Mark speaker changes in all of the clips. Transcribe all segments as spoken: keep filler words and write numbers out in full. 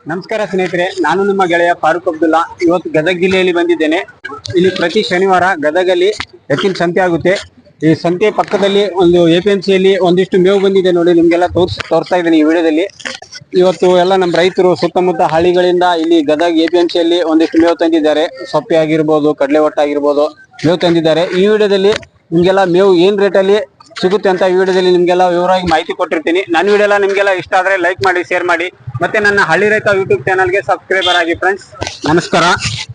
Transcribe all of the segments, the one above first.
Speaker 1: ನಮಸ್ಕಾರ ಸ್ನೇಹಿತರೆ, ನಾನು ನಿಮ್ಮ ಗೆಳೆಯ ಫಾರೂಕ್ ಅಬ್ದುಲ್ಲಾ. ಇವತ್ತು ಗದಗ ಜಿಲ್ಲೆಯಲ್ಲಿ ಬಂದಿದ್ದೇನೆ. ಇಲ್ಲಿ ಪ್ರತಿ ಶನಿವಾರ ಗದಗಲ್ಲಿ ಎತ್ತಿನ ಸಂತೆ ಆಗುತ್ತೆ. ಈ ಸಂತೆ ಪಕ್ಕದಲ್ಲಿ ಒಂದು ಎ ಪಿ ಎಂ ಸಿಯಲ್ಲಿ ಒಂದಿಷ್ಟು ಮೇವು ಬಂದಿದೆ ನೋಡಿ, ನಿಮ್ಗೆಲ್ಲ ತೋರ್ಸ್ ತೋರಿಸ್ತಾ ಇದ್ದೀನಿ ಈ ವಿಡಿಯೋದಲ್ಲಿ. ಇವತ್ತು ಎಲ್ಲ ನಮ್ಮ ರೈತರು ಸುತ್ತಮುತ್ತ ಹಳ್ಳಿಗಳಿಂದ ಇಲ್ಲಿ ಗದಗ ಎ ಪಿ ಎಂ ಸಿಯಲ್ಲಿ ಒಂದಿಷ್ಟು ಮೇವು ತಂದಿದ್ದಾರೆ. ಸೊಪ್ಪೆ ಆಗಿರ್ಬೋದು, ಕಡಲೆ ಒಟ್ಟಾಗಿರ್ಬೋದು, ಮೇವು ತಂದಿದ್ದಾರೆ. ಈ ವಿಡಿಯೋದಲ್ಲಿ ನಿಮ್ಗೆಲ್ಲ ಮೇವು ಏನ್ ರೇಟಲ್ಲಿ ಸಿಗುತ್ತೆ ಅಂತ ಈ ವಿಡಿಯೋದಲ್ಲಿ ನಿಮ್ಗೆಲ್ಲ ವಿವರವಾಗಿ ಮಾಹಿತಿ ಕೊಟ್ಟಿರ್ತೀನಿ. ನನ್ನ ವಿಡಿಯೋ ಎಲ್ಲ ನಿಮ್ಗೆಲ್ಲ ಇಷ್ಟ ಆದ್ರೆ ಲೈಕ್ ಮಾಡಿ, ಶೇರ್ ಮಾಡಿ, ಮತ್ತೆ ನನ್ನ ಹಳ್ಳಿ ರೈತ ಯೂಟ್ಯೂಬ್ ಚಾನಲ್ಗೆ ಸಬ್ಸ್ಕ್ರೈಬರ್ ಆಗಿ. ಫ್ರೆಂಡ್ಸ್ ನಮಸ್ಕಾರ.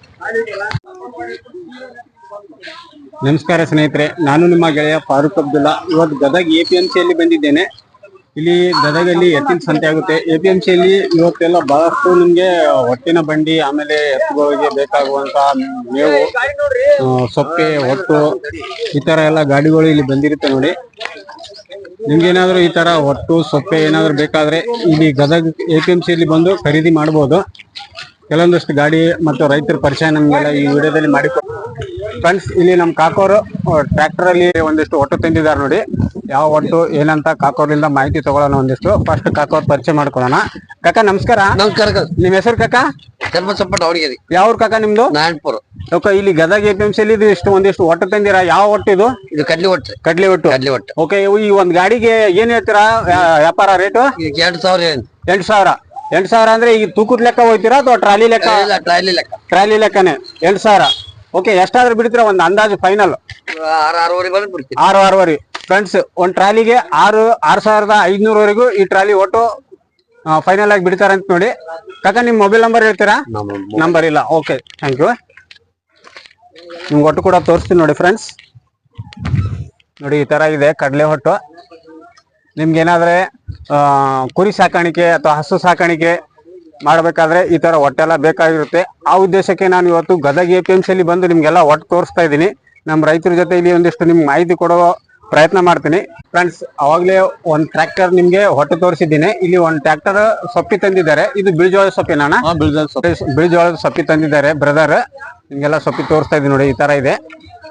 Speaker 1: ನಮಸ್ಕಾರ ಸ್ನೇಹಿತರೆ, ನಾನು ನಿಮ್ಮ ಗೆಳೆಯ ಫಾರೂಕ್ ಅಬ್ದುಲ್ಲಾ. ಇವತ್ತು ಗದಗ ಎ ಪಿ ಎಂ ಸಿಯಲ್ಲಿ ಬಂದಿದ್ದೇನೆ. ಇಲ್ಲಿ ಗದಗಲ್ಲಿ ಎತ್ತಿನ ಸಂತೆ ಆಗುತ್ತೆ. ಎ ಪಿ ಎಂ ಸಿಯಲ್ಲಿ ಇವತ್ತೆಲ್ಲ ಬಹಳಷ್ಟು ನಿಮ್ಗೆ ಹೊಟ್ಟಿನ ಬಂಡಿ, ಆಮೇಲೆ ಎತ್ತುಗಳಿಗೆ ಬೇಕಾಗುವಂತ ಮೇವು, ಸೊಪ್ಪೆ, ಹೊಟ್ಟು, ಈ ತರ ಎಲ್ಲ ಗಾಡಿಗಳು ಇಲ್ಲಿ ಬಂದಿರುತ್ತೆ ನೋಡಿ. ನಿಮ್ಗೇನಾದ್ರು ಈ ತರ ಹೊಟ್ಟು, ಸೊಪ್ಪೆ ಏನಾದ್ರು ಬೇಕಾದ್ರೆ ಇಲ್ಲಿ ಗದಗ ಎ ಪಿ ಎಂ ಸಿಯಲ್ಲಿ ಬಂದು ಖರೀದಿ ಮಾಡಬಹುದು. ಕೆಲವೊಂದಷ್ಟು ಗಾಡಿ ಮತ್ತು ರೈತರ ಪರಿಚಯ ನಮ್ಗೆಲ್ಲ ಈ ವಿಡಿಯೋದಲ್ಲಿ ಮಾಡಿಕೊಡ್ತಾರೆ. ಫ್ರೆಂಡ್ಸ್, ಇಲ್ಲಿ ನಮ್ಮ ಕಾಕೋರು ಟ್ರ್ಯಾಕ್ಟರ್ ಅಲ್ಲಿ ಒಂದಿಷ್ಟು ಹೊಟ್ಟು ತಂದಿದ್ದಾರೆ ನೋಡಿ. ಯಾವ ಹೊಟ್ಟು ಏನಂತ ಕಾಕೋರ್ಲಿಂದ ಮಾಹಿತಿ ತಗೊಳ್ಳೋಣ ಒಂದಿಷ್ಟು. ಫಸ್ಟ್ ಕಾಕೋರ್ ಪರಿಚಯ ಮಾಡ್ಕೊಳ್ಳೋಣ. ಕಾಕ ನಮಸ್ಕಾರ.
Speaker 2: ನಮಸ್ಕಾರ.
Speaker 1: ನಿಮ್ ಹೆಸರು ಕಾಕ?
Speaker 2: ಚನ್ನಬಸಪ್ಪ ಅವಡಿಗೆ.
Speaker 1: ಯಾವ ಕಾಕ ನಿಮ್ದು?
Speaker 2: ನಾರಾಯಣಪುರ.
Speaker 1: ಓಕೆ, ಇಲ್ಲಿ ಗದಗ ಎ ಪಿ ಎಂ ಸಿಯಲ್ಲಿ ಇದು ಇಷ್ಟು ಒಂದಿಷ್ಟು ಹೊಟ್ಟು ತಂದಿರಾ. ಯಾವ ಹೊಟ್ಟು ಇದು?
Speaker 2: ಇದು ಕಡ್ಲಿ ಹೊಟ್ಟು.
Speaker 1: ಕಡ್ಲಿ ಹೊಟ್ಟು.
Speaker 2: ಕಡ್ಲಿ ಹೊಟ್ಟು.
Speaker 1: ಓಕೆ, ಈ ಒಂದ್ ಗಾಡಿಗೆ ಏನ್ ಹೇಳ್ತೀರಾ ವ್ಯಾಪಾರ ರೇಟು?
Speaker 2: ಎಂಟು ಸಾವಿರ.
Speaker 1: ಎಂಟು ಸಾವಿರ ಎಂಟು ಸಾವಿರ ಅಂದ್ರೆ ಈಗ ತೂಕದ ಲೆಕ್ಕ ಹೋಗ್ತೀರಾ ಅಥವಾ ಟ್ರಾಲಿ ಲೆಕ್ಕ?
Speaker 2: ಟ್ರಾಲಿ ಲೆಕ್ಕ.
Speaker 1: ಟ್ರಾಲಿ ಲೆಕ್ಕನೇ ಎಂಟು ಸಾವಿರ. ಓಕೆ, ಎಷ್ಟಾದ್ರೂ ಬಿಡ್ತೀರಾ ಒಂದು ಅಂದಾಜು ಫೈನಲ್?
Speaker 2: ಆರು ಆರೂವರೆ ಬಂದು ಬಿಡ್ತೀವಿ.
Speaker 1: ಆರು ಆರೂವರೆ. ಫ್ರೆಂಡ್ಸ್, ಒಂದ್ ಟ್ರಾಲಿಗೆ ಆರು ಆರು ಸಾವಿರದ ಐದ್ನೂರವರೆಗೂ ಈ ಟ್ರಾಲಿ ಒಟ್ಟು ಫೈನಲ್ ಆಗಿ ಬಿಡ್ತಾರ ಅಂತ ನೋಡಿ. ಕಾಕ ನಿಮ್ ಮೊಬೈಲ್ ನಂಬರ್ ಹೇಳ್ತೀರಾ? ನಂಬರ್ ಇಲ್ಲ. Okay, thank you. ನಿಮ್ಗೆ ಒಟ್ಟು ಕೂಡ ತೋರಿಸ್ತೀನಿ ನೋಡಿ. ಫ್ರೆಂಡ್ಸ್ ನೋಡಿ, ಈ ತರ ಇದೆ ಕಡಲೆ ಹೊಟ್ಟು. ನಿಮ್ಗೆ ಏನಾದ್ರೆ ಆ ಕುರಿ ಸಾಕಾಣಿಕೆ ಅಥವಾ ಹಸು ಸಾಕಾಣಿಕೆ ಮಾಡ್ಬೇಕಾದ್ರೆ ಈ ತರ ಹೊಟ್ಟೆಲ್ಲ ಬೇಕಾಗಿರುತ್ತೆ. ಆ ಉದ್ದೇಶಕ್ಕೆ ನಾನು ಇವತ್ತು ಗದಗ ಎ ಪಿ ಎಂ ಸಿಯಲ್ಲಿ ಬಂದು ನಿಮ್ಗೆಲ್ಲ ಒಟ್ಟು ತೋರಿಸ್ತಾ ಇದ್ದೀನಿ. ನಮ್ಮ ರೈತರ ಜೊತೆ ಇಲ್ಲಿ ಒಂದಿಷ್ಟು ನಿಮ್ಗೆ ಮಾಹಿತಿ ಕೊಡೋ ಪ್ರಯತ್ನ ಮಾಡ್ತೀನಿ. ಫ್ರೆಂಡ್ಸ್, ಅವಾಗ್ಲೇ ಒಂದ್ ಟ್ರ್ಯಾಕ್ಟರ್ ನಿಮ್ಗೆ ಹೊಟ್ಟೆ ತೋರಿಸಿದ್ದೀನಿ. ಇಲ್ಲಿ ಒಂದ್ ಟ್ರ್ಯಾಕ್ಟರ್ ಸೊಪ್ಪಿ ತಂದಿದ್ದಾರೆ. ಇದು ಬಿಳಿಜೋಳದ ಸೊಪ್ಪಿನ ಬಿಳಿಜೋಳದ ಸೊಪ್ಪಿ ತಂದಿದ್ದಾರೆ ಬ್ರದರ್. ನಿಮ್ಗೆಲ್ಲ ಸೊಪ್ಪಿ ತೋರಿಸ್ತಾ ಇದ್ದೀನಿ ನೋಡಿ. ಈ ತರ ಇದೆ.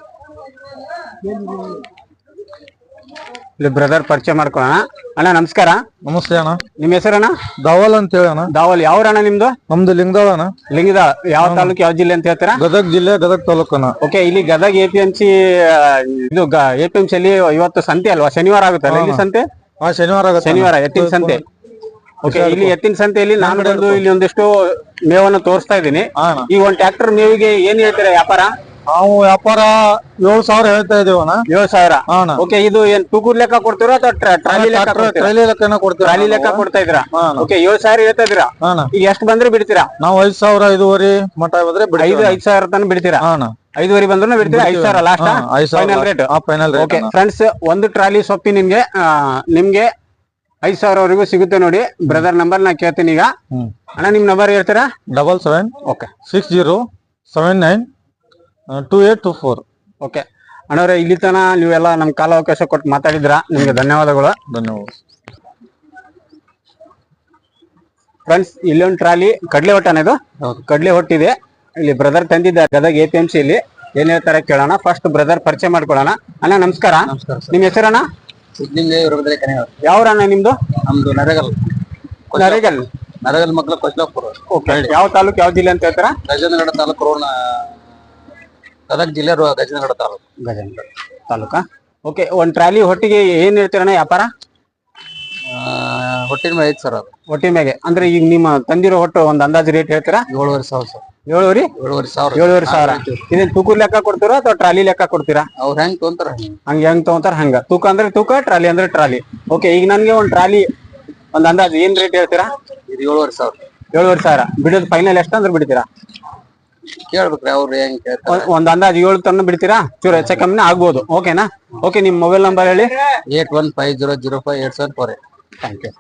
Speaker 1: ಇಲ್ಲಿ ಬ್ರದರ್ ಪರಿಚಯ ಮಾಡ್ಕೊಳ್ಳೋಣ. ಅಣ್ಣ ನಮಸ್ಕಾರ.
Speaker 3: ನಮಸ್ತೆ ಅಣ್ಣ.
Speaker 1: ನಿಮ್ ಹೆಸರಣ್ಣ?
Speaker 3: ದಾವಲ್ ಅಂತ ಹೇಳಿ ಅಣ್ಣ.
Speaker 1: ದಾವಲ್. ಯಾವ್ರಣ್ಣ ನಿಮ್ದು?
Speaker 3: ನಮ್ದು ಲಿಂಗದಾಳ ಅಣ್ಣ.
Speaker 1: ಲಿಂಗದಾಳ. ಯಾವ ತಾಲೂಕು, ಯಾವ ಜಿಲ್ಲೆ ಅಂತ ಹೇಳ್ತೀರಾ?
Speaker 3: ಗದಗ ಜಿಲ್ಲೆ, ಗದಗ ತಾಲೂಕನ.
Speaker 1: ಓಕೆ, ಇಲ್ಲಿ Gadag A P M C ಇದು ಎ ಪಿ ಎಂ ಸಿ ಅಲ್ಲಿ ಇವತ್ತು ಸಂತೆ ಅಲ್ವಾ? ಶನಿವಾರ ಆಗುತ್ತಲ್ಲ ಇಲ್ಲಿ ಸಂತೆ?
Speaker 3: ಹಾ, ಶನಿವಾರ ಆಗುತ್ತೆ.
Speaker 1: ಶನಿವಾರ ಎತ್ತಿನ ಸಂತೆ. ಓಕೆ, ಇಲ್ಲಿ ಎತ್ತಿನ ಸಂತೆಯಲ್ಲಿ ನಾನು ಬಂದು ಇಲ್ಲಿ ಒಂದಿಷ್ಟು ಮೇವನ್ನು ತೋರಿಸ್ತಾ ಇದ್ದೀನಿ. ಈ ಒಂದ್ ಟ್ರ್ಯಾಕ್ಟರ್ ಮೇವಿಗೆ ಏನ್ ಹೇಳ್ತೀರಾ ವ್ಯಾಪಾರ?
Speaker 3: ನಾವು ವ್ಯಾಪಾರ ಏಳು ಸಾವಿರ ಹೇಳ್ತಾ ಇದೀವಣ್ಣ.
Speaker 1: ಏಳು ಸಾವಿರ. ಓಕೆ, ಇದು ಏನ್ ತೂಕದ ಲೆಕ್ಕ ಕೊಡ್ತೀರಾ ಅಥವಾ ಟ್ರಾಲಿ ಲೆಕ್ಕ?
Speaker 3: ಟ್ರಾಲಿ ಲೆಕ್ಕನ ಕೊಡ್ತೀವಿ.
Speaker 1: ಟ್ರಾಲಿ ಲೆಕ್ಕ ಕೊಡ್ತಾ ಇದ್ರಾ? ಓಕೆ, ಏಳು ಸಾವಿರ ಹೇಳ್ತಾ ಇದ್ದೀರಾ. ಈಗ ಎಷ್ಟು ಬಂದ್ರೆ ಬಿಡ್ತೀರಾ?
Speaker 3: ನಾವು ಐದ್ ಸಾವಿರ ಐದುವರೆ ಮಟ ಬಂದ್ರೆ
Speaker 1: ಐದು ಐದ್ ಸಾವಿರ ತನಕ ಬಿಡ್ತೀರಾ? ಐದುವರೆ ಬಂದ್ರು ಬಿಡ್ತೀರಾ? ಐದ್ ಸಾವಿರ last final rate?
Speaker 3: Final rate.
Speaker 1: Okay friends, ಒಂದು ಟ್ರಾಲಿ ಸೊಪ್ಪಿ ನಿಮ್ಗೆ ನಿಮ್ಗೆ ಐದ್ ಸಾವಿರವರೆಗೂ ಸಿಗುತ್ತೆ ನೋಡಿ. ಬ್ರದರ್ ನಂಬರ್ ನಾ ಕೇಳ್ತೀನಿ ಈಗ. ಅಣ್ಣ ನಿಮ್ ನಂಬರ್ ಹೇಳ್ತೀರಾ?
Speaker 3: Double seven
Speaker 1: okay
Speaker 3: six zero seven nine two eight two four.
Speaker 1: Okay ಅಣ್ಣವ್ರೆ, ಇಲ್ಲಿ ತನ ನೀವೆಲ್ಲ ನಮ್ ಕಾಲಾವಕಾಶ ಕೊಟ್ಟು ಮಾತಾಡಿದ್ರ, ನಿಮ್ಗೆ ಧನ್ಯವಾದಗಳು.
Speaker 3: ಧನ್ಯವಾದ.
Speaker 1: ಫ್ರೆಂಡ್ಸ್, ಇಲ್ಲೊಂದು ಟ್ರಾಲಿ ಕಡ್ಲೆ ಹೊಟ್ಟನ, ಇದು ಕಡ್ಲೆ ಹೊಟ್ಟಿದೆ. ಇಲ್ಲಿ ಬ್ರದರ್ ತಂದಿದ್ದಾರೆ Gadag A P M C ಇಲ್ಲಿ. ಏನ್ ಹೇಳ್ತಾರೆ ಕೇಳೋಣ. ಫಸ್ಟ್ ಬ್ರದರ್ ಪರಿಚಯ ಮಾಡ್ಕೊಳ್ಳೋಣ. ಅಣ್ಣ ನಮಸ್ಕಾರ. ನಿಮ್ ಹೆಸರಣ್ಣ? ಯಾವ್ರಣ್ಣ ನಿಮ್ದು?
Speaker 2: ನಮ್ದು ನರೇಗಲ್.
Speaker 1: ನರೇಗಲ್.
Speaker 2: ನರೇಗಲ್ ಮಕ್ಕಳು ಕೊಚ್ಲಾಪುರ.
Speaker 1: ಓಕೆ, ಯಾವ ತಾಲೂಕು, ಯಾವ ಜಿಲ್ಲೆ ಅಂತ ಹೇಳ್ತಾರ?
Speaker 2: ಗಜೇಂದ್ರಗಡ ತಾಲೂಕು, ರೋಣ ಗದಗ ಜಿಲ್ಲೆ, ಗಜೇಂದ್ರಗಡ ತಾಲೂಕು.
Speaker 1: ಗಜೇಂದ್ರ ತಾಲೂಕಾ? ಓಕೆ, ಒಂದ್ ಟ್ರಾಲಿ ಹೊಟ್ಟಿಗೆ ಏನ್ ಹೇಳ್ತೀರಣ್ಣ ವ್ಯಾಪಾರ?
Speaker 2: ಹೊಟ್ಟಿನ ಮೇಲೆ ಐದು ಸರ್. ಅದು
Speaker 1: ಹೊಟ್ಟಿ ಮ್ಯಾಗೆ ಅಂದ್ರೆ ಈಗ ನಿಮ್ಮ ತಂದಿರೋ ಹೊಟ್ಟು ಒಂದ್ ಅಂದಾಜು ರೇಟ್ ಹೇಳ್ತೀರಾ?
Speaker 2: ಏಳುವರೆ ಸಾವಿರ ಸರ್.
Speaker 1: ಏಳುವರೆ
Speaker 2: ಏಳುವರೆ ಸಾವಿರ.
Speaker 1: ಏಳುವರೆ ಸಾವಿರ. ಇದೇನ್ ತೂಕದ ಲೆಕ್ಕ ಕೊಡ್ತೀರಾ ಅಥವಾ ಟ್ರಾಲಿ ಲೆಕ್ಕ ಕೊಡ್ತೀರಾ?
Speaker 2: ಅವ್ರ ಹೆಂಗ್ ತೊಂತಾರ
Speaker 1: ಹಂಗ ಹೆಂಗ್ ತಗೊಂತಾರ ಹಂಗ. ತೂಕ ಅಂದ್ರೆ ತೂಕ, ಟ್ರಾಲಿ ಅಂದ್ರೆ ಟ್ರಾಲಿ. ಓಕೆ, ಈಗ ನನ್ಗೆ ಒಂದ್ ಟ್ರಾಲಿ ಒಂದ್ ಅಂದಾಜು ಏನ್ ರೇಟ್ ಹೇಳ್ತೀರಾ?
Speaker 2: ಇದು ಏಳುವರೆ ಸಾವಿರ.
Speaker 1: ಏಳುವರೆ ಸಾವಿರ ಬಿಡೋದು ಫೈನಲ್ ಎಷ್ಟು ಅಂದ್ರೆ ಬಿಡ್ತೀರಾ?
Speaker 2: ಕೇಳ್ಬೇಕ್ರಿ ಅವ್ರು ಹೆಂಗ್ ಕೇಳ್ತಾರೆ.
Speaker 1: ಒಂದ್ ಅಂದಾಜು ಏಳು ತನ ಬಿಡ್ತೀರಾ? ಚೂರು ಹೆಚ್ಚ ಕಮ್ಮಿನ ಆಗ್ಬೋದು. ಓಕೆನಾ? ಓಕೆ, ನಿಮ್ ಮೊಬೈಲ್ ನಂಬರ್ ಹೇಳಿ.
Speaker 2: Eight one five zero zero five eight seven four eight.
Speaker 1: Thank you.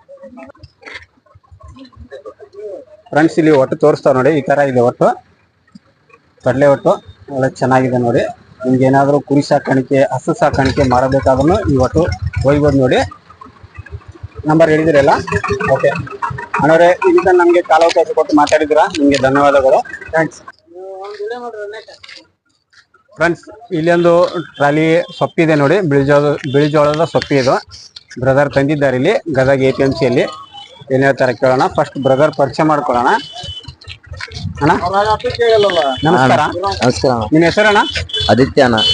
Speaker 1: Friends, ಇಲ್ಲಿ ಒಟ್ಟು ತೋರಿಸ್ತಾವ ನೋಡಿ. ಈ ತರ ಇದೆ ಒಟ್ಟು ಕಡಲೆ ಒಟ್ಟು. ಒಳ್ಳೆ ಚೆನ್ನಾಗಿದೆ ನೋಡಿ. ನಿಮ್ಗೆ ಏನಾದ್ರು ಕುರಿ ಸಾಕಾಣಿಕೆ, ಹಸು ಸಾಕಾಣಿಕೆ ಮಾಡಬೇಕಾದ್ರೂ ಈ ಒಟ್ಟು ಹೋಗ್ಬೋದು ನೋಡಿ. ನಂಬರ್ ಹೇಳಿದಿರಲ್ಲ. ಓಕೆ ಅಣ್ಣವ್ರೆ, ಇದನ್ನ ನಮ್ಗೆ ಕಾಲಾವಕಾಶ ಕೊಟ್ಟು ಮಾತಾಡಿದ್ರ, ನಿಮ್ಗೆ ಧನ್ಯವಾದಗಳು. ಥ್ಯಾಂಕ್ಸ್. ಫ್ರೆಂಡ್ಸ್, ಇಲ್ಲೊಂದು ಟ್ರಾಲಿ ಸೊಪ್ಪಿದೆ ನೋಡಿ. ಬಿಳಿಜೋಳ ಬಿಳಿಜೋಳದ ಸೊಪ್ಪಿ ಇದು ಬ್ರದರ್ ತಂದಿದ್ದಾರೆ ಇಲ್ಲಿ ಗದಗ ಎ ಪಿ ಎಂ ಸಿಯಲ್ಲಿ. ಏನ್ ಹೇಳ್ತಾರೆ ಕೇಳೋಣ. ಫಸ್ಟ್ ಬ್ರದರ್ ಪರಿಚಯ ಮಾಡ್ಕೊಳ್ಳೋಣ. ಅಣ್ಣ ನಮಸ್ಕಾರ.
Speaker 2: ನಮಸ್ಕಾರ.
Speaker 1: ನಿಮ್ ಹೆಸರಣ್ಣ?
Speaker 2: ಆದಿತ್ಯ ಅಣ್ಣ.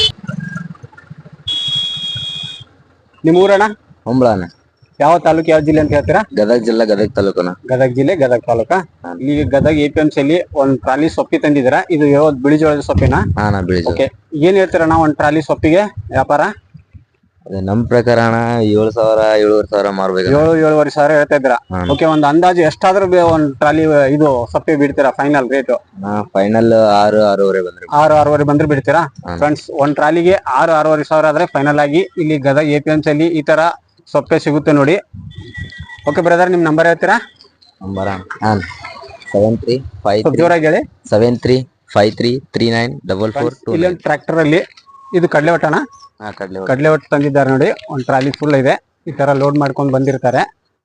Speaker 1: ನಿಮ್ ಊರಣ್ಣ?
Speaker 2: ಹೊಂಬಳಣ್ಣ.
Speaker 1: ಯಾವ ತಾಲೂಕು ಯಾವ ಜಿಲ್ಲೆ ಅಂತ ಹೇಳ್ತೀರಾ?
Speaker 2: ಗದಗ ಜಿಲ್ಲಾ ಗದಗ ತಾಲೂಕನ.
Speaker 1: ಗದಗ ಜಿಲ್ಲೆ ಗದಗ ತಾಲೂಕಾ. ಈಗ Gadag A P M C ಅಲ್ಲಿ ಒಂದ್ ಟ್ರಾಲಿ ಸೊಪ್ಪಿ ತಂದಿದ್ದೀರಾ. ಇದು ಯಾವ್ದು ಬಿಳಿ ಜೋಳದ ಸೊಪ್ಪಿನ?
Speaker 2: ಹಾ ನಾ ಬಿಳಿ ಜೋಳ.
Speaker 1: ಓಕೆ, ಏನ್ ಹೇಳ್ತೀರಣ್ಣ ಒಂದ್ ಟ್ರಾಲಿ ಸೊಪ್ಪಿಗೆ ವ್ಯಾಪಾರ?
Speaker 2: ಅದೇ ನಮ್ ಪ್ರಕಾರ ಅಣ್ಣ ಏಳು ಸಾವಿರ ಏಳುವರೆ ಸಾವಿರ ಮಾರ್ಬೇಕು.
Speaker 1: ಏಳು ಏಳುವರೆ ಸಾವಿರ ಹೇಳ್ತಾ ಇದ್ದೀರಾ. ಓಕೆ, ಒಂದ್ ಅಂದಾಜು ಎಷ್ಟಾದ್ರೂ ಬೇ- ಒಂದ್ ಟ್ರಾಲಿ ಇದು ಸೊಪ್ಪಿ ಬಿಡ್ತೀರಾ ಫೈನಲ್ ರೇಟ್?
Speaker 2: ಫೈನಲ್ ಆರು ಆರೂವರೆ ಬಂದ್ರೆ.
Speaker 1: ಆರು ಆರೂವರೆ ಬಂದ್ರೆ ಬಿಡ್ತೀರಾ? ಫ್ರೆಂಡ್ಸ್, ಒಂದ್ ಟ್ರಾಲಿಗೆ ಆರು ಆರೂವರೆ ಸಾವಿರ ಆದ್ರೆ ಫೈನಲ್ ಆಗಿ ಇಲ್ಲಿ Gadag A P M C ಅಲ್ಲಿ ಈ ತರ ಸೊಪ್ಪೆ ಸಿಗುತ್ತೆ ನೋಡಿ. ಓಕೆ ಬ್ರದರ್, ನಿಮ್ ನಂಬರ್ ಹೇಳ್ತೀರಾ?
Speaker 2: ನಂಬರ್ ಸೆವೆನ್ ತ್ರೀ ಫೈವ್
Speaker 1: ಸ್ವಲ್ಪ ಜೋರಾಗಿ ಹೇಳಿ.
Speaker 2: Seven three five three three nine double four two.
Speaker 1: ಇಲ್ಲಿ ಒಂದು ಟ್ರ್ಯಾಕ್ಟರ್ ಅಲ್ಲಿ ಇದು ಕಡಲೆ ಒಟ್ಟಣ
Speaker 2: ಕಡ್ಲೆ
Speaker 1: ಕಡಲೆ ಒಟ್ಟು ತಂದಿದ್ದಾರೆ ನೋಡಿ. ಒಂದ್ ಟ್ರಾಲಿ ಫುಲ್ ಇದೆ. ಈ ತರ ಲೋಡ್ ಮಾಡ್ಕೊಂಡು ಬಂದಿರ್ತಾರೆ.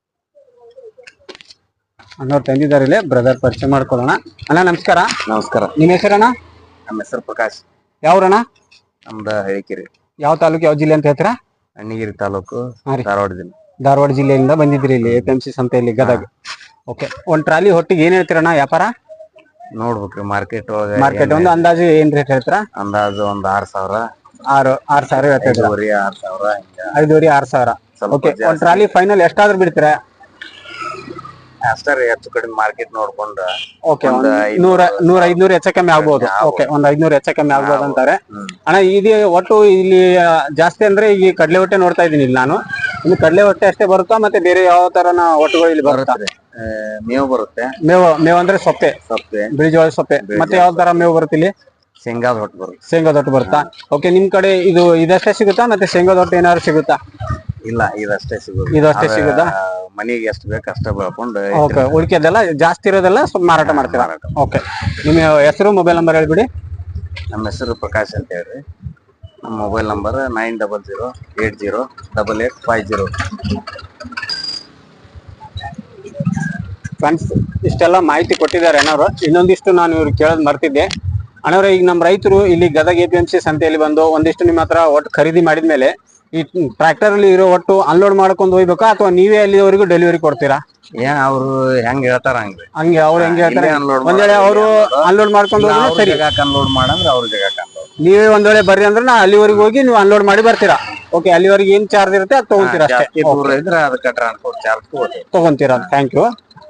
Speaker 1: ಅಣ್ಣವ್ರು ತಂದಿದ್ದಾರೆ ಇಲ್ಲಿ. ಬ್ರದರ್ ಪರಿಚಯ ಮಾಡ್ಕೊಳ್ಳೋಣ. ಅಣ್ಣ ನಮಸ್ಕಾರ.
Speaker 2: ನಮಸ್ಕಾರ.
Speaker 1: ನಿಮ್ ಹೆಸರಣ್ಣ?
Speaker 2: ನಮ್ಮ ಹೆಸರು ಪ್ರಕಾಶ್.
Speaker 1: ಯಾವ್ರಣ್ಣ?
Speaker 2: ನಮ್ದ ಹಳಿಕೆರೆ.
Speaker 1: ಯಾವ ತಾಲೂಕು ಯಾವ ಜಿಲ್ಲೆ ಅಂತ ಹೇಳ್ತೀರಾ?
Speaker 2: ಅಣ್ಣಿಗಿರಿ ತಾಲೂಕು,
Speaker 1: ಹಾ ರೀ.
Speaker 2: ಧಾರವಾಡ ಜಿಲ್ಲೆ.
Speaker 1: ಧಾರವಾಡ ಜಿಲ್ಲೆಯಿಂದ ಬಂದಿದ್ರಿ ಇಲ್ಲಿ ಎ ಪಿ ಎಂ ಸಿ ಸಂತೆಯಲ್ಲಿ ಗದಗ. ಓಕೆ, ಒಂದ್ ಟ್ರಾಲಿ ಹೊಟ್ಟಿಗೆ ಏನ್ ಹೇಳ್ತೀರಣ್ಣ ವ್ಯಾಪಾರ?
Speaker 2: ನೋಡ್ಬೇಕ್ರಿ ಮಾರ್ಕೆಟ್ ಒಳಗ
Speaker 1: ಮಾರ್ಕೆಟ್ ಒಂದು ಅಂದಾಜು ಏನ್ ರೇಟ್ ಹೇಳ್ತೀರಾ?
Speaker 2: ಅಂದಾಜು ಒಂದ್ ಆರ್ ಸಾವಿರ
Speaker 1: ಆರು ಆರ್ ಸಾವಿರ ಹೇಳ್ತಾ ಇದ್ದೀರಾ?
Speaker 2: ಐದೂವರೆ ಆರ್ ಸಾವಿರ ಹಿಂಗ.
Speaker 1: ಐದೂವರೆ ಆರ್ ಸಾವಿರ.
Speaker 2: ಸ್ವಲ್ಪ
Speaker 1: ಓಕೆ,
Speaker 2: ಜಾಸ್ತಿ.
Speaker 1: ಒಂದ್ ಟ್ರಾಲಿ ಫೈನಲ್ ಎಷ್ಟಾದ್ರೂ ಬಿಡ್ತೀರಾ?
Speaker 2: ಅಷ್ಟೇ ರೀ, ಹೆಚ್ಚು ಕಡಿಮೆ ಮಾರ್ಕೆಟ್ ನೋಡ್ಕೊಂಡ.
Speaker 1: ಓಕೆ, ಒಂದ್ ನೂರ ನೂರ ಐದ್ನೂರ ಹೆಚ್ಚ ಕಮ್ಮಿ ಆಗ್ಬೋದು. ಓಕೆ, ಒಂದ್ ಐದ್ನೂರ ಹೆಚ್ಚ ಕಮ್ಮಿ ಆಗ್ಬೋದು ಅಂತಾರೆ. ಅಣ್ಣ ಇದು ಒಟ್ಟು ಇಲ್ಲಿ ಆ, ಜಾಸ್ತಿ ಅಂದ್ರೆ ಈ ಕಡಲೆ ಹೊಟ್ಟೆ ನೋಡ್ತಾ ಇದೀನಿ ಇಲ್ಲಿ ನಾನು. ಇನ್ನು ಕಡಲೆ ಹೊಟ್ಟೆ ಅಷ್ಟೇ ಬರುತ್ತಾ ಮತ್ತೆ ಬೇರೆ ಯಾವ ತರನ ಒಟ್ಟುಗಳು ಇಲ್ಲಿ ಬರುತ್ತಾ?
Speaker 2: ಮೇವು ಬರುತ್ತೆ.
Speaker 1: ಮೇವು ಮೇವು ಅಂದ್ರೆ ಸೊಪ್ಪೆ,
Speaker 2: ಸೊಪ್ಪೆ,
Speaker 1: ಬಿಳಿ ಜೋಳ ಸೊಪ್ಪೆ. ಮತ್ತೆ ಯಾವ ತರ ಮೇವು ಬರುತ್ತೆ ಇಲ್ಲಿ?
Speaker 2: ಶೇಂಗಾದ ಹೊಟ್ಟು ಬರುತ್ತೆ.
Speaker 1: ಶೇಂಗಾದ ಹೊಟ್ಟು ಬರುತ್ತಾ? ಓಕೆ, ನಿಮ್ ಕಡೆ ಇದು ಇದಷ್ಟೇ ಸಿಗುತ್ತಾ ಮತ್ತೆ ಶೇಂಗಾದ ಹೊಟ್ಟು ಏನಾದ್ರು ಸಿಗುತ್ತಾ?
Speaker 2: ಇಲ್ಲ, ಇದಷ್ಟೇ ಸಿಗೋದು.
Speaker 1: ಇದು ಅಷ್ಟೇ ಸಿಗುದಾ?
Speaker 2: ಮನಿಗೆ ಎಷ್ಟು ಬೇಕು ಅಷ್ಟೇ ಬೆಳ್ಕೊಂಡು.
Speaker 1: ಓಕೆ, ಉಳಿಕೆದೆಲ್ಲ ಜಾಸ್ತಿ ಇರೋದೆಲ್ಲ ಸ್ವಲ್ಪ ಮಾರಾಟ ಮಾಡ್ತೀರಾ? ಓಕೆ, ನಿಮ್ಮ ಹೆಸರು ಮೊಬೈಲ್ ನಂಬರ್ ಹೇಳ್ಬಿಡಿ.
Speaker 2: ನಮ್ಮ ಹೆಸರು ಪ್ರಕಾಶ್ ಅಂತ ಹೇಳ್ರಿ. ನಮ್ಮ mobile number nine double zero eight zero double eight five zero.
Speaker 1: Friends, ಇಷ್ಟೆಲ್ಲ ಮಾಹಿತಿ ಕೊಟ್ಟಿದ್ದಾರೆ ಅಣ್ಣವ್ರು. ಇನ್ನೊಂದಿಷ್ಟು ನಾನು ಇವ್ರಿಗೆ ಕೇಳೋದು ಮರ್ತಿದ್ದೆ. ಅಣ್ಣವ್ರೆ, ಈಗ ನಮ್ಮ ರೈತರು ಇಲ್ಲಿ Gadag A P M C ಸಂತೆಯಲ್ಲಿ ಬಂದು ಒಂದಿಷ್ಟು ನಿಮ್ಮ ಹತ್ರ ಒಟ್ಟು ಖರೀದಿ ಮಾಡಿದ್ಮೇಲೆ ಈ ಟ್ರ್ಯಾಕ್ಟರ್ ಅಲ್ಲಿ ಇರೋ ಒಟ್ಟು ಅನ್ಲೋಡ್ ಮಾಡ್ಕೊಂಡು ಹೋಗ್ಬೇಕಾ ಅಥವಾ ನೀವೇ ಅಲ್ಲಿವರೆಗೂ ಡೆಲಿವರಿ ಕೊಡ್ತೀರಾ?
Speaker 2: ಏನ್ ಅವ್ರು ಹೆಂಗ್ ಹೇಳ್ತಾರ ಹಂಗ್ರಿ.
Speaker 1: ಹಂಗೆ ಅವ್ರು ಹೆಂಗೆ ಹೇಳ್ತಾರೆ?
Speaker 2: ಅನ್ಲೋಡ್
Speaker 1: ಒಂದ್ ವೇಳೆ ಅವರು ಅನ್ಲೋಡ್ ಮಾಡ್ಕೊಂಡು ಹೋದ್ರೆ ಸರಿ,
Speaker 2: ಅನ್ಲೋಡ್ ಮಾಡಂದ್ರೆ ಅವ್ರ ಜಾಗ
Speaker 1: ನೀವೇ ಒಂದ್ ವೇಳೆ ಬರ್ರಿ ಅಂದ್ರೆ ನಾ ಅಲ್ಲಿವರೆಗೂ ಹೋಗಿ ನೀವು ಅನ್ಲೋಡ್ ಮಾಡಿ ಬರ್ತೀರಾ? ಓಕೆ, ಅಲ್ಲಿವರೆಗೆ ಏನ್ ಚಾರ್ಜ್ ಇರುತ್ತೆ ಅದು ತಗೊಂತೀರಾ ಅಷ್ಟೇ?
Speaker 2: ದೂರ ಇದ್ರೆ ಅದಕ್ಕೆ ಟ್ರಾನ್ಸ್ಪೋರ್ಟ್ ಚಾರ್ಜ್
Speaker 1: ತಗೊಂತೀರಾ? Thank you.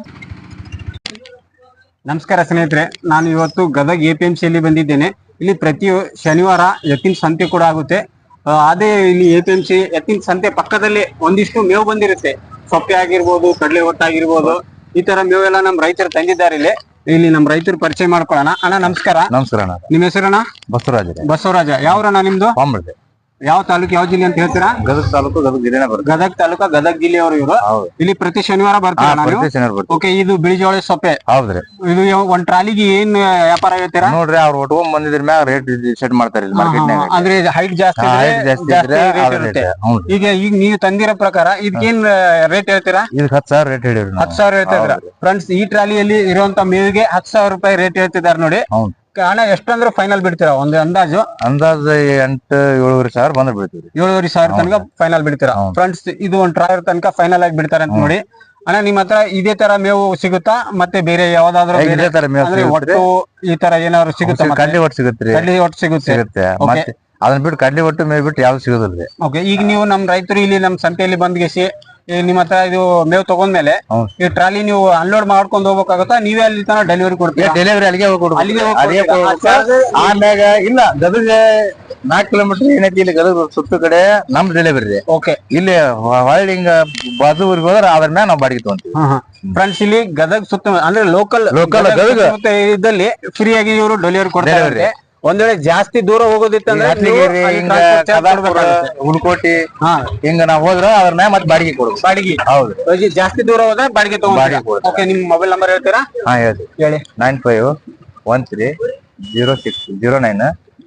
Speaker 1: ನಮಸ್ಕಾರ ಸ್ನೇಹಿತರೆ, ನಾನು ಇವತ್ತು Gadag A P M C ಅಲ್ಲಿ ಬಂದಿದ್ದೇನೆ. ಇಲ್ಲಿ ಪ್ರತಿ ಶನಿವಾರ ಎತ್ತಿನ ಸಂತೆ ಕೂಡ ಆಗುತ್ತೆ. ಆ, ಅದೇ ಇಲ್ಲಿ ಎ ಪಿ ಎಂ ಸಿ ಎತ್ತಿನ ಸಂತೆ ಪಕ್ಕದಲ್ಲಿ ಒಂದಿಷ್ಟು ಮೇವು ಬಂದಿರುತ್ತೆ. ಸೊಪ್ಪೆ ಆಗಿರ್ಬೋದು, ಕಡಲೆ ಒಟ್ಟಾಗಿರ್ಬೋದು, ಈ ತರ ಮೇವೆಲ್ಲ ನಮ್ ರೈತರು ತಂದಿದ್ದಾರೆ. ಇಲ್ಲಿ ಇಲ್ಲಿ ನಮ್ ರೈತರು ಪರಿಚಯ ಮಾಡ್ಕೊಳ್ಳೋಣ. ಅಣ್ಣ ನಮಸ್ಕಾರ.
Speaker 3: ನಮಸ್ಕಾರ ಅಣ್ಣ.
Speaker 1: ನಿಮ್ ಹೆಸರಣ್ಣ?
Speaker 3: ಬಸವರಾಜ್.
Speaker 1: ಬಸವರಾಜ. ಯಾವ್ರಣ್ಣ ನಿಮ್ದು?
Speaker 3: ಪಾಂಬಳ್ಳಿ.
Speaker 1: ಯಾವ ತಾಲೂಕು ಯಾವ ಜಿಲ್ಲೆ ಅಂತ ಹೇಳ್ತೀರಾ?
Speaker 3: ಗದಗ ತಾಲೂಕು ಗದಗ ಜಿಲ್ಲೆನೇ ಬರುತ್ತೆ.
Speaker 1: ಗದಗ ತಾಲೂಕು ಗದಗ ಜಿಲ್ಲೆಯವರು ಇವರು.
Speaker 3: ಹೌದು.
Speaker 1: ಇಲ್ಲಿ ಪ್ರತಿ ಶನಿವಾರ ಬರ್ತೀರಾ ನಾನು?
Speaker 3: ಪ್ರತಿ ಶನಿವಾರ ಬರ್ತೀವಿ.
Speaker 1: ಓಕೆ, ಇದು ಬಿಳಿ ಜೋಳ ಸೊಪ್ಪೆ.
Speaker 3: ಹೌದ್ರಿ.
Speaker 1: ಇದು ಯಾವ- ಒಂದ್ ಟ್ರಾಲಿಗೆ ಏನ್ ವ್ಯಾಪಾರ ಹೇಳ್ತೀರಾ?
Speaker 3: ನೋಡ್ರಿ, ಅವ್ರು ಒಟ್ಕೊಂಡ್ ಬಂದಿದ್ರ ಮ್ಯಾಗ ರೇಟ್ ಸೆಟ್ ಮಾಡ್ತಾರೆ ಇಲ್ಲಿ ಮಾರ್ಕೆಟ್ ನಾಗ.
Speaker 1: ಅಂದ್ರೆ ಹೈಟ್ ಜಾಸ್ತಿ ಇದ್ರೆ
Speaker 3: height ಜಾಸ್ತಿ
Speaker 1: ಜಾಸ್ತಿ
Speaker 3: ಇದ್ರೆ
Speaker 1: rate
Speaker 3: ಅದ್ರ
Speaker 1: ಇರುತ್ತೆ.
Speaker 3: rate. ಹೌದು.
Speaker 1: ಈಗ ಈಗ ನೀವು ತಂದಿರೋ ಪ್ರಕಾರ ಇದಕ್ಕೇನ್ ರೇಟ್ ಹೇಳ್ತೀರಾ?
Speaker 3: ಇದಕ್ಕೆ ಹತ್ತು ಸಾವಿರ ರೇಟ್ ಹೇಳಿವ್ರಿ ನಾವು.
Speaker 1: ಹತ್ತು ಸಾವಿರ ಹೇಳ್ತಾ ಇದ್ರ. ಫ್ರೆಂಡ್ಸ್, ಈ ಟ್ರಾಲಿಯಲ್ಲಿ ಇರುವಂತ ಮೇವಿಗೆ ಹತ್ತು ಸಾವಿರ ರೂಪಾಯಿ ರೇಟ್ ಹೇಳ್ತಿದ್ದಾರೆ ನೋಡಿ.
Speaker 3: ಹೌದು.
Speaker 1: ಹಣ ಎಷ್ಟಂದ್ರೆ ಫೈನಲ್ ಬಿಡ್ತೀರಾ? ಒಂದು ಅಂದಾಜು
Speaker 3: ಅಂದಾಜು ಎಂಟು ಏಳುವರೆ ಸಾವಿರ ಬಂದ್ರೆ ಬೀಳ್ತೀವಿ.
Speaker 1: ಏಳುವರೆ ಸಾವಿರ ತನಕ ಫೈನಲ್ ಬಿಡ್ತೀರಾ? ಫ್ರೆಂಡ್ಸ್, ಇದು ಒಂದ್ ಟ್ರಾಯರ್ ತನಕ ಫೈನಲ್ ಆಗಿ ಬಿಡ್ತಾರೆ ಅಂತ ನೋಡಿ. ಅಣ್ಣ, ನಿಮ್ ಹತ್ರ ಇದೇ ತರ ಮೇವು ಸಿಗುತ್ತಾ ಮತ್ತೆ ಬೇರೆ ಯಾವ್ದಾದ್ರು ಬೇರೆ-
Speaker 3: ಇದೇ ತರ ಮೇವು
Speaker 1: ಅಂದ್ರೆ
Speaker 3: ಸಿಗುತ್ತೆ.
Speaker 1: ಒಟ್ಟು ಈ ತರ ಏನಾದ್ರು ಸಿಗುತ್ತಾ?
Speaker 3: ಕಡ್ಲಿ ಒಟ್ಟು ಸಿಗುತ್ತೆ.
Speaker 1: ಕಡ್ಲಿ ಒಟ್ಟು ಸಿಗುತ್ತೆ.
Speaker 3: ಸಿಗುತ್ತೆ. ಮತ್ತೆ ಅದನ್ನ ಬಿಟ್ಟು ಕಡ್ಲಿ ಒಟ್ಟು ಮೇವ್ ಬಿಟ್ಟು ಯಾವ್ದು ಸಿಗೋದಿಲ್ರಿ.
Speaker 1: ಓಕೆ, ಈಗ ನೀವು ನಮ್ ರೈತರು ಇಲ್ಲಿ ನಮ್ ಸಂತೆಯಲ್ಲಿ ಬಂದ್ಗೆಸಿ ನಿಮ್ ಹತ್ರ ಇದು ಮೇವು ತಗೊಂಡ್ಮೇಲೆ
Speaker 3: ಹೌದು.
Speaker 1: ಈ ಟ್ರಾಲಿ ನೀವು ಅನ್ಲೋಡ್ ಮಾಡ್ಕೊಂಡು ಹೋಗ್ಬೇಕಾಗತ್ತಾ? ನೀವೇ ಅಲ್ಲಿ ತನಕ ಡೆಲಿವರಿ ಕೊಡ್ತೀರಾ?
Speaker 3: ಡೆಲಿವರಿ ಅಲ್ಲಿಗೆ ಹೋಗಿ ಕೊಡ್ಬೇಕು.
Speaker 1: ಅಲ್ಲಿಗೆ ಹೋಗಿ
Speaker 3: ಅದೇ
Speaker 1: ಕೊಡ್ತೀರಾ?
Speaker 3: ಕೊಡ್ಬೇಕು. ಆಮ್ಯಾಗ ಇಲ್ಲ, ಗದಗ ನಾಲ್ಕು ಕಿಲೋಮೀಟರ್ ಏನೈತಿ ಇಲ್ಲಿ ಗದಗ ಸುತ್ತ ಕಡೆ ನಮ್ ಡೆಲಿವರಿ ರೀ.
Speaker 1: ಓಕೆ,
Speaker 3: ಇಲ್ಲಿ ಹೊಳ್ಳಿ ಹಿಂಗ ಬಾಜು ಊರಿಗೆ ಹೋದ್ರೆ ಅದ್ರ ಮ್ಯಾಗ ನಾವ್ ಬಾಡಿಗೆ ತಗೊಂತೀವಿ.
Speaker 1: ಫ್ರೆಂಡ್ಸ್, ಇಲ್ಲಿ ಗದಗ ಸುತ್ತ ಅಂದ್ರೆ ಲೋಕಲ್
Speaker 3: Local ಗದಗ
Speaker 1: ಇದ್ದಲ್ಲಿ ಫ್ರೀ ಆಗಿ ಇವರು ಡೆಲಿವರಿ ಕೊಡ್ತಾರೆ. ಒಂದ್ ವೇಳೆ ಜಾಸ್ತಿ ದೂರ ಹೋಗೋದಿತ್ತಂದ್ರೆ ನೀವು
Speaker 3: ಹತ್ಲಿಗೇರಿ,
Speaker 1: ಅಲ್ಲಿ
Speaker 3: ಹಿಂಗ
Speaker 1: transport charge
Speaker 3: ಕದಾಪುರ,
Speaker 1: ಕೊಡ್ಬೇಕಾಗುತ್ತೆ.
Speaker 3: ಹುಲ್ಕೋಟಿ
Speaker 1: ಹಾ,
Speaker 3: ಹಿಂಗ ನಾವ್ ಹೋದ್ರ ಅದ್ರ ಮ್ಯಾಗ ಮತ್ತೆ ಬಾಡಿಗೆ ಕೊಡ್ಬೇಕು.
Speaker 1: ಬಾಡಿಗೆ.
Speaker 3: ಹೌದು.
Speaker 1: ಹೋಗಿ ಜಾಸ್ತಿ ದೂರ ಹೋದ್ರೆ ಬಾಡಿಗೆ ತಗೊಂಡ್ರೆ.
Speaker 3: ಬಾಡಿಗೆ ಕೊಡ್ತಾರೆ.
Speaker 1: ಓಕೆ, ನಿಮ್ ಮೊಬೈಲ್ ನಂಬರ್ ಹೇಳ್ತೀರಾ?
Speaker 3: ಹಾ ಹೇಳಿ.
Speaker 1: ಹೇಳಿ.
Speaker 3: Nine five one three zero six zero nine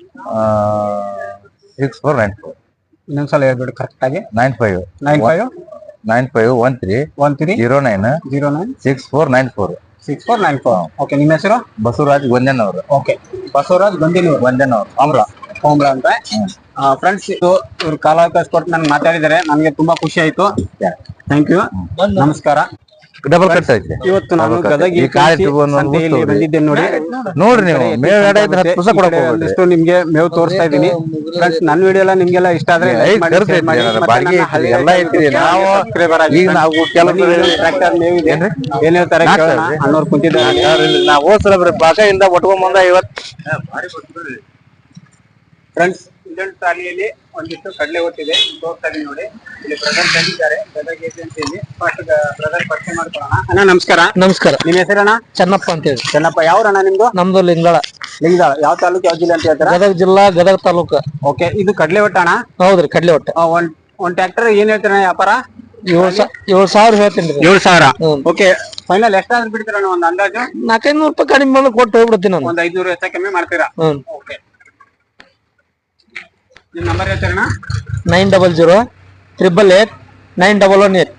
Speaker 3: six four nine four.
Speaker 1: ಇನ್ನೊಂದ್ಸಲ ಹೇಳ್ಬಿಡಿ ಕರೆಕ್ಟ್ ಆಗಿ.
Speaker 3: Nine five
Speaker 1: nine five
Speaker 3: nine five one three
Speaker 1: one three
Speaker 3: zero nine
Speaker 1: zero nine
Speaker 3: six four nine four
Speaker 1: six four nine four. Okay, ನಿಮ್ಮ ಹೆಸರು?
Speaker 3: ಬಸವರಾಜ್ ಗೊಂಜನ್ ಅವರು.
Speaker 1: Okay, Basavaraj ಬಂದಿನೂರು
Speaker 3: ಗೊಂಜನ್ ಅವರು ಅಮ್ರ
Speaker 1: ಹೋಮ್ರ ಅಂತ. Friends, ಇದು ಇವ್ರು ಕಾಲಾವಕಾಶ ಕೊಟ್ಟು ನನ್ಗೆ ಮಾತಾಡಿದ್ದಾರೆ. ನನಗೆ ತುಂಬಾ ಖುಷಿ ಆಯ್ತು. Thank you. ನಮಸ್ಕಾರ.
Speaker 3: ಡಬಲ್ ಕಟ್ ಐತಿ
Speaker 1: ಇವತ್ತು ನಾನು
Speaker 3: Double cut.
Speaker 1: ಗದಗ
Speaker 3: ಈ ಕಾಯಿ ತಗೊಂಡ್ ಒಂದ್
Speaker 1: ಸಂತೆಯಲ್ಲಿ
Speaker 3: ಉಸ್ತು
Speaker 1: ಬಂದಿದ್ದೇನೆ ನೋಡಿ.
Speaker 3: ನೋಡ್ರಿ ನೀವು ಮೇವ್ ಎಡ ಇದ್ರೆ ಹತ್ತು ಪುಸ್ತಕ ಕೊಡಕ್ ಹೋಗ್ಬೇಡ್ರಿ.
Speaker 1: ಒಂದಿಷ್ಟು ನಿಮ್ಗೆ ಮೇವು ತೋರಿಸ್ತಾ ಇದೀನಿ ಫ್ರೆಂಡ್ಸ್. ನನ್ನ ವಿಡಿಯೋ ಎಲ್ಲ ನಿಮ್ಗೆಲ್ಲ ಇಷ್ಟ ಆದ್ರೆ like
Speaker 3: ಐತ್
Speaker 1: ಮಾಡಿ,
Speaker 3: ಖರ್ಚು
Speaker 1: share
Speaker 3: ಐತಿ
Speaker 1: ಮಾಡಿ.
Speaker 3: ಏನಾರ
Speaker 1: ಮತ್ತೆ
Speaker 3: ಬಾಡಿಗೆ
Speaker 1: ನನ್ನ
Speaker 3: ಐತಿ,
Speaker 1: ಹಳ್ಳಿ
Speaker 3: ಎಲ್ಲ ಐತಿ.
Speaker 1: ರೈತರಿಗೆ
Speaker 3: ನಾವು
Speaker 1: subscriber ಆಗಿ
Speaker 3: ಈಗ ನಾವು ಕೆಲಸ
Speaker 1: ಟ್ರ್ಯಾಕ್ಟರ್ ಮೇವು ಇದೆ ಏನ್ ಹೇಳ್ತಾರೆ ಕೇಳೋಣ. ಅಣ್ಣವ್ರು ಕುಂತಿದ್ದಾರೆ
Speaker 3: ನಾವು ಹೋದ್ ಸಲ ಬರೀ ಬಾಗ ಇಲ್ದ ಒಟ್ಕೊಂಡ್ ಬಂದ ಇವತ್
Speaker 1: ಫ್ರೆಂಡ್ಸ್. ಇದೊಂದು ಟ್ರಾಲಿಯಲ್ಲಿ ಒಂದಿಷ್ಟು ಕಡಲೆ ಒಟ್ಟಿದೆ ತೋರ್ತಾ ಇದೀನಿ ನೋಡಿ. ಇಲ್ಲಿ ಬ್ರದರ್ ಬಂದಿದ್ದಾರೆ ಗದಗ ಏಜೆನ್ಸಿಯಲ್ಲಿ. ಫಸ್ಟ್ ಬ್ರದರ್ ಪರಿಚಯ ಮಾಡ್ಕೊಳ್ಳೋಣ. ಅಣ್ಣ ನಮಸ್ಕಾರ.
Speaker 4: ನಮಸ್ಕಾರ.
Speaker 1: ನಿಮ್ಮ ಹೆಸರಣ್ಣ?
Speaker 4: ಚೆನ್ನಪ್ಪ ಅಂತ ಹೇಳಿ.
Speaker 1: ಚೆನ್ನಪ್ಪ. ಯಾವ್ರಣ್ಣ ನಿಮ್ದು?
Speaker 4: ನಮ್ದು ಲಿಂಗಾಳ.
Speaker 1: ಲಿಂಗಾಳ. ಯಾವ ತಾಲೂಕು ಯಾವ ಜಿಲ್ಲೆ ಅಂತ ಹೇಳ್ತಾರ?
Speaker 4: ಗದಗ ಜಿಲ್ಲಾ, ಗದಗ ತಾಲೂಕ.
Speaker 1: ಓಕೆ. ಇದು ಕಡಲೆ ಒಟ್ಟ ಅಣ್ಣ?
Speaker 4: ಹೌದ್ರಿ, ಕಡ್ಲೆ ಒಟ್ಟ.
Speaker 1: ಒಂದ್ ಒಂದ್ ಟ್ರ್ಯಾಕ್ಟರ್ ಏನ್ ಹೇಳ್ತಾರ ವ್ಯಾಪಾರ?
Speaker 4: ಏಳ್ ಸಾ ಏಳ್ ಸಾವಿರ ಹೇಳ್ತೀನಿ ರೀ.
Speaker 1: ಏಳು ಸಾವಿರ.
Speaker 4: ಹ್ಮ್.
Speaker 1: ಓಕೆ. ಫೈನಲ್ ಎಷ್ಟಾದ್ರೂ ಬಿಡ್ತೀರಣ್ಣ ಒಂದ್ ಅಂದಾಜು?
Speaker 4: ನಾಲ್ಕೈನೂರು ರೂಪಾಯಿ ಕಡಿಮೆ ಮಾಡಿ ಕೊಟ್ಟು ಹೋಗ್ಬಿಡ್ತೀನಿ ನಾನು.
Speaker 1: ಒಂದ್ ಐದ್ನೂರು ಹೆಚ್ಚ ಕಮ್ಮಿ ಮಾಡ್ತೀರಾ?
Speaker 4: ಹ್ಮ್.
Speaker 1: ಓಕೆ. ನಿಮ್ ನಂಬರ್ ಹೇಳ್ತಾರಣ್ಣ?
Speaker 4: Nine double zero triple eight nine double one eight.